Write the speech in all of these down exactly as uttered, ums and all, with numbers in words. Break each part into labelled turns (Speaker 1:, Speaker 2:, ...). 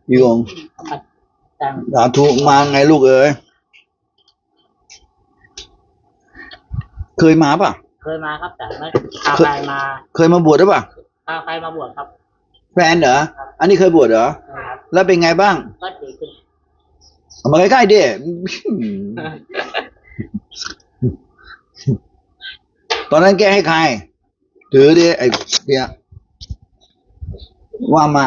Speaker 1: พี่องค์
Speaker 2: จัง
Speaker 1: สาธุมาไงลูกเอ๋ยเคยมาป่ะ
Speaker 2: เคยมาครับแต่ไม่พาใครมา
Speaker 1: เคยมาบวชหรือเปล่า
Speaker 2: พาใครมาบวชครับ
Speaker 1: แฟนเหรออันนี้เคยบวชเหรอ
Speaker 2: นะครับ
Speaker 1: แล้วเป็นไงบ้าง
Speaker 2: ก็ดีขึ้น
Speaker 1: เอามาใกล้ๆดิ ตอนนั้นแกให้ใคร ถือดิไอ้เดียว่ามา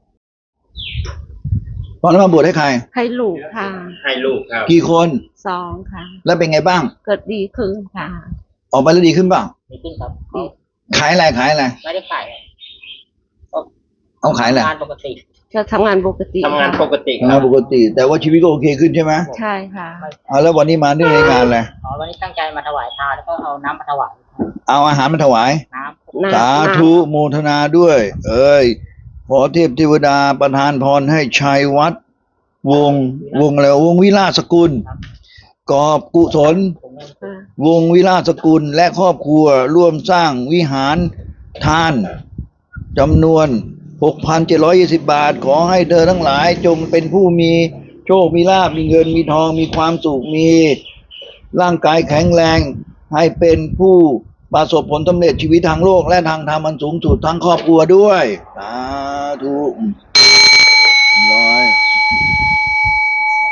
Speaker 1: ตอนนั้นมาบวชให้ใคร
Speaker 3: ให้ลูกค่ะ
Speaker 4: ให้ลูกครับ
Speaker 1: กี่คน
Speaker 3: สองค่ะ
Speaker 1: แล้วเป็นไงบ้าง
Speaker 3: เกิดดีขึ้นค่ะ
Speaker 1: ออกไปแล้วดีขึ้นเปล่า
Speaker 2: ดีขึ้นครับ
Speaker 3: ดี
Speaker 1: ขายอะไรขายอะไร
Speaker 2: ไม่ได้ขาย
Speaker 1: เอาขายอะไร
Speaker 2: งานปกติ
Speaker 3: จะทำงานปกติ
Speaker 4: ทำงานปกติค
Speaker 1: งา
Speaker 4: รั
Speaker 1: น
Speaker 4: บ
Speaker 1: ปกติ แต่ว่าชีวิตก็โอเคขึ้นใช่ไหม
Speaker 3: ใช่ค่ะ
Speaker 1: เอาแล้ววันนี้มาเรื่องในงานอะไร
Speaker 2: อ๋อวันนี้ตั้งใจมาถวายทานแล้วก็เอาน้ำมาถวาย
Speaker 1: เอาอาหารมาถวาย
Speaker 2: น้ำ
Speaker 1: สาธุโมทนาด้วย เอ้ยขอเทพเทวดาประทานพรให้ชัยวัด วงวงอะไรวงวิลาศกุล กอบกุศล
Speaker 2: ผมเงิน
Speaker 3: ค่ะ
Speaker 1: วงวิลาศกุลและครอบครัวร่วมสร้างวิหารทานจำนวน หกพันเจ็ดร้อยยี่สิบ บาท ขอให้เธอทั้งหลายจงเป็นผู้มีโชค มีลาภมีเงินมีทองมีความสุขมีร่างกายแข็งแรง ให้เป็นผู้ประสบผลสำเร็จชีวิตทางโลกและทางธรรมอันสูงสุดทั้งครอบครัวด้วยสาธุ